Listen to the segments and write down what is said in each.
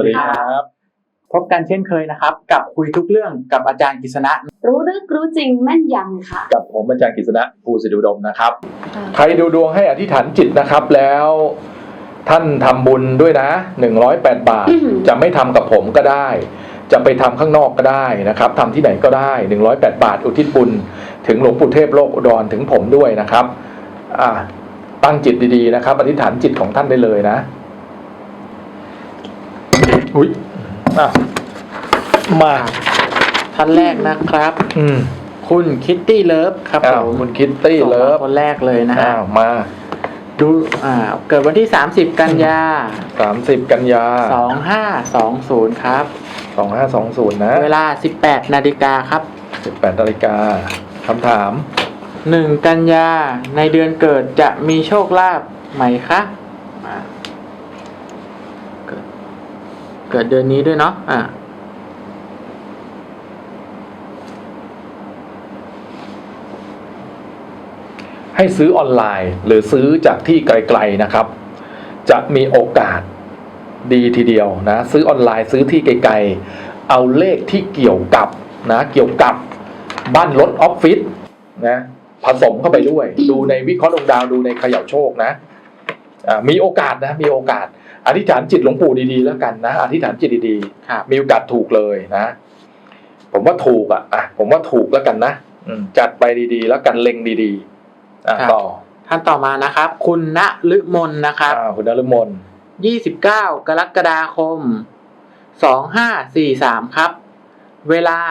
ดีครับพบกันเช่นเคยนะครับกับคุยทุกเรื่องกับอาจารย์กฤษณะรู้ลึกรู้จริงแม่นยำค่ะกับผมอาจารย์กฤษณะภูสิทธิอุดมนะครับใครดูดวงให้อธิษฐานจิตนะครับแล้วท่านทำบุญด้วยนะ108 บาทจะไม่ทำกับผมก็ได้จะไปทำข้างนอกก็ได้นะครับทำที่ไหนก็ได้108 บาทอุทิศบุญถึงหลวงปู่เทพโลกอุดรถึงผมด้วยนะครับตั้งจิตดีๆนะครับอธิษฐานจิตของท่านได้เลยนะอุ๊ยมาท่านแรกนะครับคุณคิตตี้เลิฟครับผมคุณคิตตี้เลิฟคนแรกเลยนะฮะมาดูเกิดวันที่30กันยา 30กันยา 2520ครับ 2520นะเวลา 18 นาฬิกาครับ 18 นาฬิกาคำถาม 1กันยาในเดือนเกิดจะมีโชคลาภไหมคะเกิดเดือนนี้ด้วยเนาะให้ซื้อออนไลน์หรือซื้อจากที่ไกลๆนะครับจะมีโอกาสดีทีเดียวนะซื้อออนไลน์ซื้อที่ไกลๆเอาเลขที่เกี่ยวกับบ้านรถออฟฟิศนะผสมเข้าไปด้วยดูในวิเคราะห์ดวงดาวดูในเขย่าโชคนะมีโอกาสนะมีโอกาสอธิษฐานจิตหลวงปู่ดีๆแล้วกันนะอธิษฐานจิตดีๆมีโอกาสถูกเลยนะผมว่าถูกผมว่าถูกแล้วกันนะจัดไปดีๆแล้วกันเล็งดีๆต่อท่านต่อมานะครับคุณณฤมลนะครับคุณณฤมล 29 กรกฎาคม2543ครับเวลา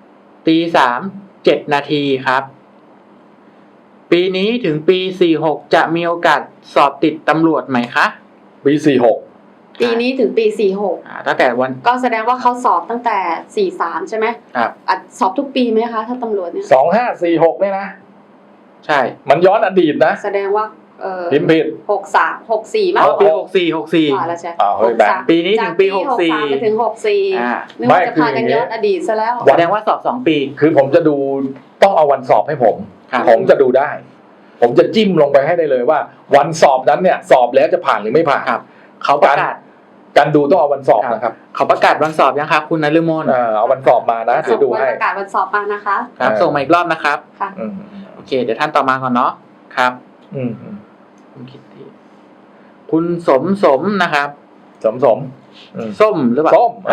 3:07 นาทีครับปีนี้ถึงปี46จะมีโอกาสสอบติดตำรวจไหมคะปี46 ปีนี้ถึงปี46 ตั้งแต่วันก็แสดงว่าเขาสอบตั้งแต่43ใช่ไหมครับสอบทุกปีไหมคะถ้าตำรวจเนี่ย 2546เนี่ยนะใช่มันย้อนอดีตนะแสดงว่าพิมพ์ผิด 63 64มั้งปี64 แล้วใช่ปีนี้ถึงปี64 ไปถึง64นึกว่าจะพากันย้อนอดีตซะแล้วแสดงว่าสอบ2ปีคือผมจะดูต้องเอาวันสอบให้ผมจะดูได้ผมจะจิ้มลงไปให้ได้เลยว่าวันสอบนั้นเนี่ยสอบแล้วจะผ่านหรือไม่ผ่านเขาประกาศการดูต้องเอาวันสอบนะครับเขาประกาศวันสอบยังครับคุณณฤมลเอาวันสอบมานะเดี๋ยวดูให้ประกาศวันสอบมานะคะครับส่งมาอีกรอบนะครับค่ะโอเคเดี๋ยวท่านต่อมาก่อนเนาะครับคุณคิดดีคุณสมนะครับส้มหรือเปล่าส้ม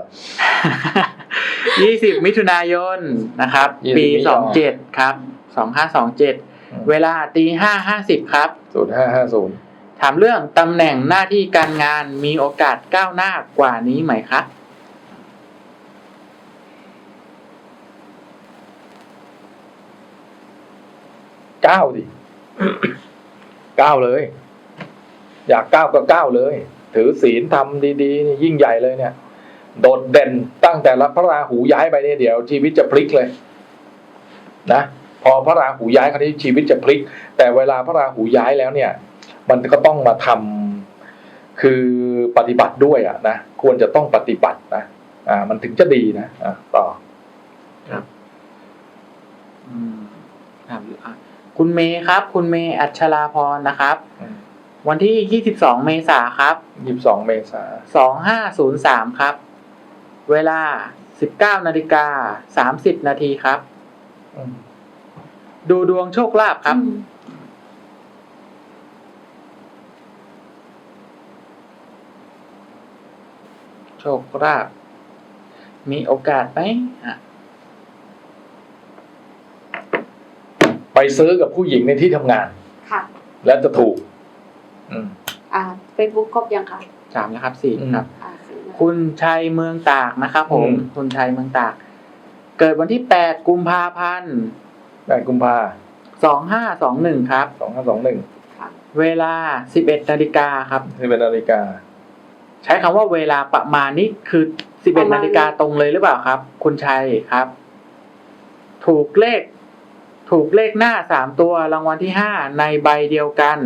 20 มิถุนายนนะครับปี27ครับ2527เวลา 5:50 ครับ 05:50 ถามเรื่องตำแหน่งหน้าที่การงานมีโอกาสก้าวหน้ากว่านี้ไหมคะก้าวดิก้าวเลยอยากก้าวก็ก้าวเลยถือศีลทำดีๆยิ่งใหญ่เลยเนี่ยโดดเด่นตั้งแต่ละพระราหูย้ายไปเนี่ยเดี๋ยวชีวิตจะพลิกเลยนะพอพระราหูย้ายคราวนี้ชีวิตจะพลิกแต่เวลาพระราหูย้ายแล้วเนี่ยมันก็ต้องมาทำคือปฏิบัติด้วยนะควรจะต้องปฏิบัตินะมันถึงจะดีนะต่อครับคุณเมย์ครับคุณเมย์อัชราพรนะครับวันที่22 เมษายนครับ 22 เมษายน2503ครับเวลา 19:30 นาทีครับดูดวงโชคลาภครับโชคลาภมีโอกาสไหมไปซื้อกับผู้หญิงในที่ทำงานค่ะแล้วจะถูก Facebook ครบยังคะ 3นะครับ4ครับคุณชัยเมืองตากนะครับผมคุณชัยเมืองตากเกิดวันที่8 กุมภาพันธ์ 8 กุมภา 2521ครับ 2521 ค่ะเวลา 11 นาฬิกาครับ 11 นาฬิกาใช้คำว่าเวลาประมาณนี้คือ11 นาฬิกาตรงเลยหรือเปล่าครับคุณชัยครับถูกเลขหน้า3ตัวรางวัลที่5ในใบเดียวกัน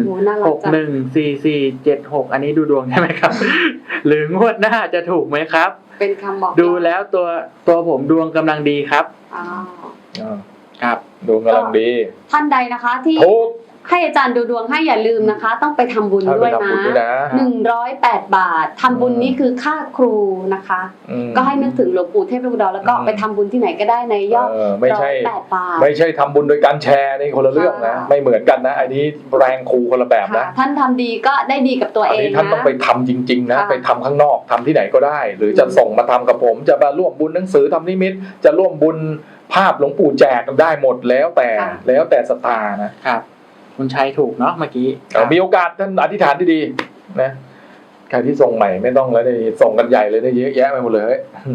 614476อันนี้ดูดวงใช่ไหมครับหรืองวดหน้าจะถูกไหมครับเป็นคำบอกดูแล้วตัวผมดวงกำลังดีครับครับดวงกำลังดีท่านใดนะคะที่ถูกให้อาจารย์ดูดวงให้อย่าลืมนะคะ ต้องไปทำบุญถ้าด้ไปวยทำบุญด้วยนะนะ 108 บาททำบุญนี้คือค่าครูนะคะ ก็ให้นึกถึงหลวงปู่เทพอุดรแล้วก็ไปทำบุญที่ไหนก็ได้ในยอดไม่ใช่ 108 บาทไม่ใช่ทำบุญโดยการแชร์นี่คนละเรื่องนะค่ะไม่เหมือนกันนะอันนี้แรงครูคนละแบบนะค่ะท่านทำดีก็ได้ดีกับตัวอันเองนี้ท่านนะต้องไปทำจริงๆนะค่ะไปทำข้างนอกทำที่ไหนก็ได้ หรือจะส่งมาทำกับผมจะมาร่วมบุญหนังสือทำนิมิตจะร่วมบุญภาพหลวงปู่แจกได้หมดแล้วแต่ศรัทธานะครับคุณชัยถูกเนาะเมื่อกี้มีโอกาสท่านอธิษฐานที่ดีนะใครที่ส่งใหม่ไม่ต้องแล้วนี่ส่งกันใหญ่เลยนี่เยอะแยะไปหมดเลย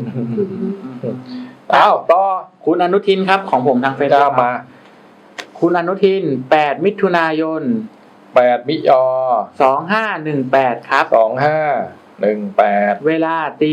อ้าวต่อคุณอนุทินครับของผมทางเฟซจ้ามาคุณอนุทิน8มิถุนายน 8 มิย 2518ครับ 2518 เวลาตี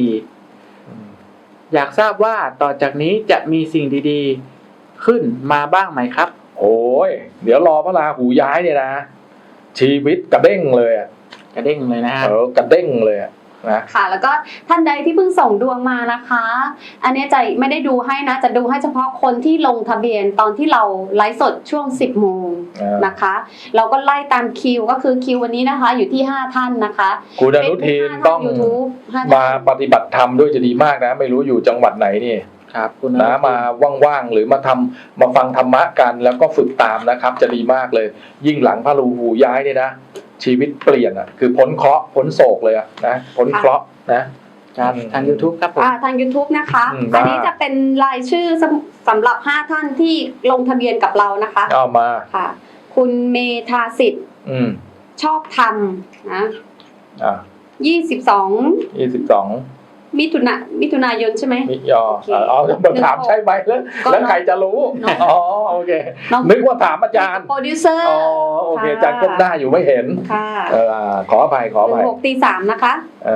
4อยากทราบว่าต่อจากนี้จะมีสิ่งดีๆขึ้นมาบ้างไหมครับโอ้ยเดี๋ยวรอพระราหูย้ายเนี่ยนะชีวิตกระเด้งเลยอะกระเด้งเลยนะฮะกระเด้งเลยอะนะค่ะ แล้วก็ท่านใดที่เพิ่งส่งดวงมานะคะ อันนี้จะไม่ได้ดูให้นะจะดูให้เฉพาะคนที่ลงทะเบียนตอนที่เราไลฟ์สดช่วง 10 โมงนะคะ เราก็ไล่ตามคิวก็คือคิววันนี้นะคะอยู่ที่ 5 ท่านนะคะคุณอนุทินต้อง YouTube มาปฏิบัติธรรมด้วยจะดีมากนะ ไม่รู้อยู่จังหวัดไหนนี่ครับคุณอนะนุทินมาว่างๆหรือมาฟังธรรมะกันแล้วก็ฝึกตามนะครับ จะดีมากเลย ยิ่งหลังพระราหูย้ายเนี่ยนะชีวิตเปลี่ยนอ่ะคือพ้นเคราะห์พ้นโศกเลยอะนะพ้นเคราะห์นะครับทาง YouTube ครับผมทาง YouTube นะคะมาอันนี้จะเป็นรายชื่อสำหรับ 5 ท่านที่ลงทะเบียนกับเรานะคะเอามาค่ะ คุณเมธาสิทธิ์ ชอบธรรมนะอ่ะ 22 22 มิถุนายนใช่ไหมมิยอโอเคเอามาถามใช่ไหมแล้วใครจะรู้น้องอ๋อโอเคน้องนึกว่าถามอาจารย์โปรดิวเซอร์อ๋อโอเคอาจารย์ก้มหน้าอยู่ไม่เห็นค่ะขออภัย 16 ตี 3นะคะ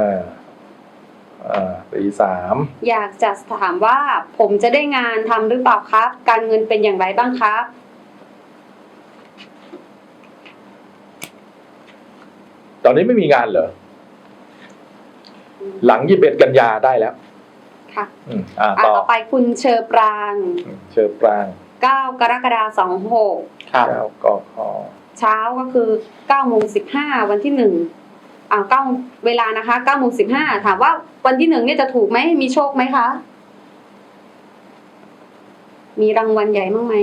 ตี 3 อยากจะถามว่าผมจะได้งานทำหรือเปล่าครับ การเงินเป็นอย่างไรบ้างครับตอนนี้ไม่มีงานเหรอหลัง21 กันยาได้แล้วค่ะต่อต่อไปคุณเชอปรางเชิญปราง 9 กรกฎาคม 26 ครับ 9 กขเช้าก็คือ9 โมง 15 วันที่9เวลานะคะ9 โมง 15ถามว่าวันที่1เนี่ยจะถูกไหมมีโชคไหมคะมีรางวัลใหญ่มั้งไหม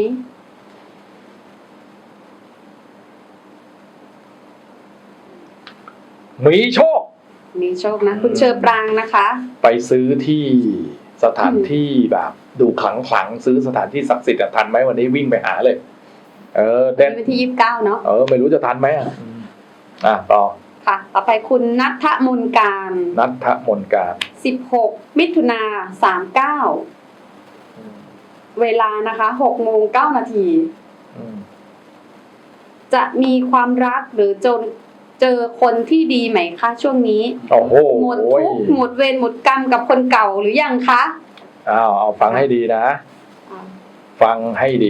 มีโชคมีโชคนะคุณเชอปรางนะคะไปซื้อที่สถานที่แบบดูขลังซื้อสถานที่ศักดิ์สิทธิ์ทันไหมวันนี้วิ่งไปหาเลยเด่นวันที่ 29เนาะไม่รู้จะทันไหมต่อค่ะ ต่อไปคุณนัทมนการนัทธมนการ 16 มิถุนา39เวลานะคะ6 โมง 9 นาที จะมีความรักหรือเจอคนที่ดีไหมคะช่วงนี้โอ้โหหมดทุกข์หมดเวรหมดกรรมกับคนเก่าหรือยังคะเอาฟังให้ดีนะ ฟังให้ดี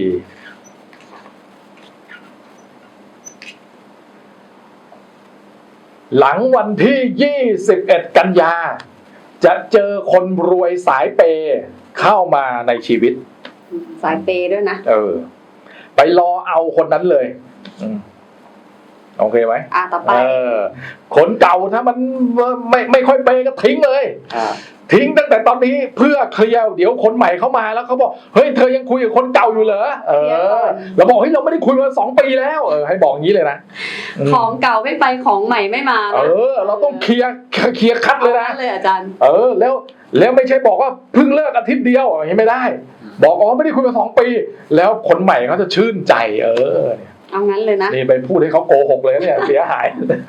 หลังวันที่ 21 กันยาจะเจอคนรวยสายเปย์เข้ามาในชีวิตสายเปย์ด้วยนะไปรอเอาคนนั้นเลยโอเคไหมต่อไปคนเก่าถ้ามันไม่ค่อยเปย์ก็ทิ้งเลย ทิ้งตั้งแต่ตอนนี้เพื่อเคลียร์เดี๋ยวคนใหม่เข้ามาแล้วเขาบอกเฮ้ยเธอยังคุยกับคนเก่าอยู่เหรอเราบอกเฮ้ยเราไม่ได้คุยมา2 ปีแล้วให้บอกงี้เลยนะของเก่าไม่ไปของใหม่ไม่มานะเราต้องเคลียร์คัดเลยนะเลยอาจารย์แล้วไม่ใช่บอกว่าเพิ่งเลิกอาทิตย์เดียวอย่างนี้ไม่ได้ บอกไม่ได้คุยมา2 ปีแล้วคนใหม่เขาจะชื่นใจเนี่ยเอางั้นเลยนะนี่ไปพูดให้เขาโกหกเลยเนี่ยเสียหาย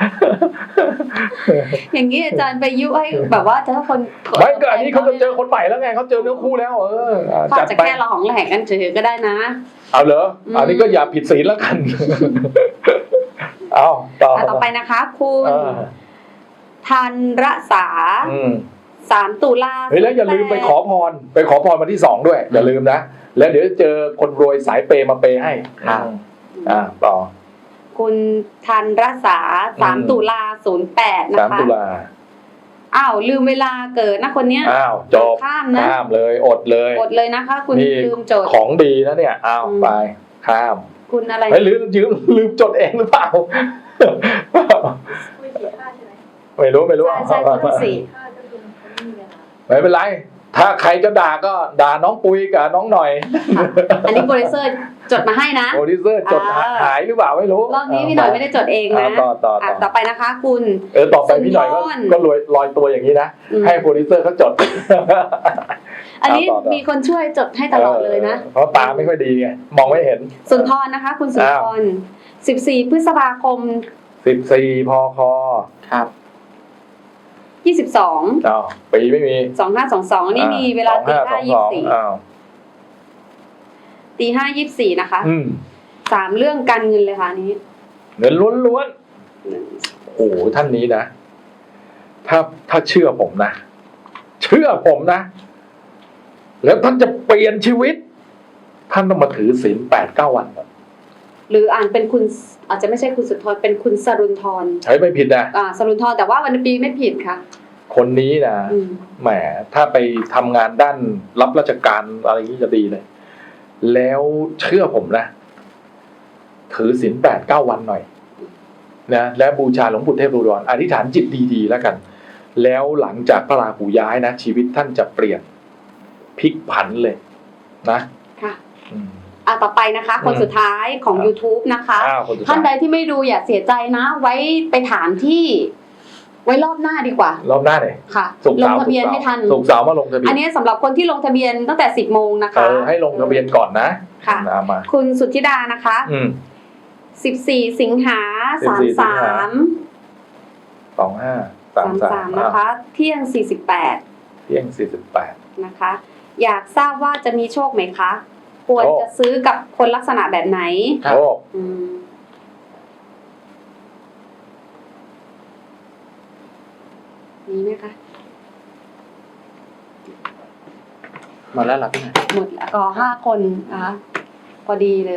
อย่างนี้อาจารย์ไปยุให้แบบว่าถ้าคนไม่ก็อันนี้เขาจะเจอคนใหม่แล้วไงเขาเจอเนื้อคู่แล้วเขาจะแค่เราของแหลกกันเฉยๆก็ได้นะเอาเหรออันนี้ก็อย่าผิดศีลแล้วกัน เอาต่อไปนะคะคุณธันรษา3 ตุลาเฮ้ยแล้วอย่าลืมไปขอพรวันที่2ด้วยอย่าลืมนะแล้วเดี๋ยวเจอคนรวยสายเปย์มาเปย์ให้ต่อคุณธันรษา3 ตุลา08นะคะ 3 ตุลาลืมเวลาเกิดนะคนเนี้ยจบข้ามนะข้ามเลยอดเลยนะคะ คุณลืมโจทย์ของดีนะเนี่ยไปข้ามคุณอะไรไม่ลืมจดเองหรือเปล่าคุยกี่ค่าใช่ไหมไม่รู้ใช่คุณสี่ค่าก็คือมันไม่มีเวลาไม่เป็นไร ถ้าใครจะด่าก็ด่าน้องปุยกับน้องหน่อยค่ะอันนี้โปรดิวเซอร์จดมาให้นะโปรดิวเซอร์จดหายหรือเปล่าไม่รู้รอบนี้พี่หน่อยไม่ได้จดเองนะ ต่อไปนะคะ คุณต่อไปพี่หน่อยก็ลอยตัวอย่างนี้นะ ให้โปรดิวเซอร์เขาจดอันนี้ต่อมีคนช่วยจดให้ตลอดเลยนะเพราะตาไม่ค่อยดีไงมองไม่เห็นสุนทรนะคะ คุณสุนทร14 พฤษภาคม 14 พคครับ 22 อ้าวปีไม่มี 2522นี่มีเวลาตี 2522อ้าว 5 24นะคะอืม 3 เรื่องการเงินเลยค่ะอันนี้เงินล้วนๆโอ้โหท่านนี้นะ ถ้าเชื่อผมนะ แล้วท่านจะเปลี่ยนชีวิต ท่านต้องมาถือศีล 8-9 วันก่อนหรืออ่านเป็นคุณอาจจะไม่ใช่คุณสุนทรเป็นคุณสรุนทรใช้ไม่ผิดนะสรุนทรแต่ว่าวันปีไม่ผิดค่ะคนนี้นะอืมแหมถ้าไปทำงานด้านรับราชการอะไรอย่างนี้จะดีเลย แล้วเชื่อผมนะ ถือศีล 8-9 วันหน่อยนะและบูชาหลวงปู่เทพอุดรอธิษฐานจิตดีๆแล้วกัน แล้วหลังจากพระราหูย้ายนะชีวิตท่านจะเปลี่ยนพลิกผันเลยนะค่ะอืมต่อไปนะคะ คนสุดท้ายของ YouTube นะคะคนสุดท้ายท่านใดที่ไม่ดูอย่าเสียใจนะ ไว้ไปถามที่ ไว้รอบหน้าดีกว่ารอบหน้าเลยค่ะศุกร์ลงเสาร์ทะเบียนให้ทันศุกร์เสาร์มาลงทะเบียอันนนี้สำหรับคนที่ลงทะเบียนตั้งแต่ 10 โมงนะคะให้ลงทะเบียนก่อนนะค่ะมาคุณสุทธิดานะคะอืม 14 สิงหา 14 สิงหา 33 2533 นะคะ เที่ยง 48 เที่ยง 48 นะคะ อยากทราบว่าจะมีโชคไหมคะ ควรจะซื้อกับคนลักษณะแบบไหนครับโอ้อืมมีไหมคะหมดแล้วเหรอพี่หน่อยหมดแล้วก็5 คนนะคะพอดีเลย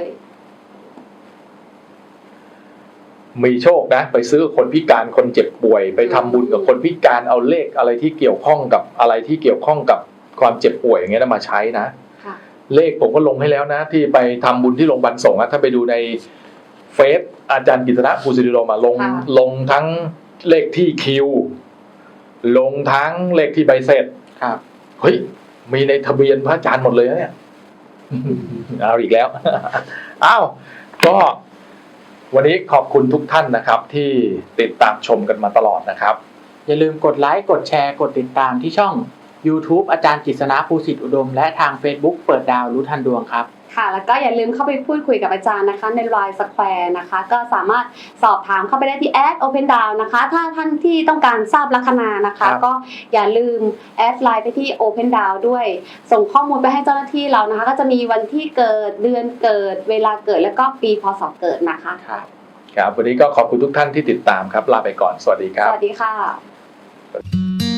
มีโชคนะ ไปซื้อคนพิการคนเจ็บป่วย ไปทำบุญกับคนพิการเอาเลขอะไรที่เกี่ยวข้องกับอะไรที่เกี่ยวข้องกับความเจ็บป่วยอย่างเงี้ยนะมาใช้นะค่ะเลขผมก็ลงให้แล้วนะ ที่ไปทำบุญที่โรงพยาบาลสงฆ์นะถ้าไปดูในเฟซอาจารย์กิตนะภูสิริโรมาลงทั้งเลขที่คิว ลงทั้งเลขที่ใบเสร็จครับเฮ้ยมีในทะเบียนพระอาจารย์หมดเลยนะเนี่ย เอาอีกแล้ว อ้าวก็วันนี้ขอบคุณทุกท่านนะครับ ที่ติดตามชมกันมาตลอดนะครับอย่าลืมกดไลค์กดแชร์กดติดตามที่ช่อง YouTube อาจารย์กฤษณะภูสิทธิอุดม และทาง Facebook เปิดดาวรู้ทันดวงครับค่ะ แล้วก็อย่าลืมเข้าไปพูดคุยกับอาจารย์นะคะ ใน Line Square นะคะ ก็สามารถสอบถามเข้าไปได้ที่ @opendown นะคะ ถ้าท่านที่ต้องการทราบลัคนานะคะครับก็อย่าลืมแอดไลน์ไปที่ Open Down ด้วย ส่งข้อมูลไปให้เจ้าหน้าที่เรานะคะ ก็จะมีวันที่เกิดเดือนเกิด เวลาเกิดแล้วก็ปีพศเกิดนะคะครับครับวันนี้ก็ขอบคุณทุกท่านที่ติดตามครับ ลาไปก่อน สวัสดีครัสบวัสดีค่ะ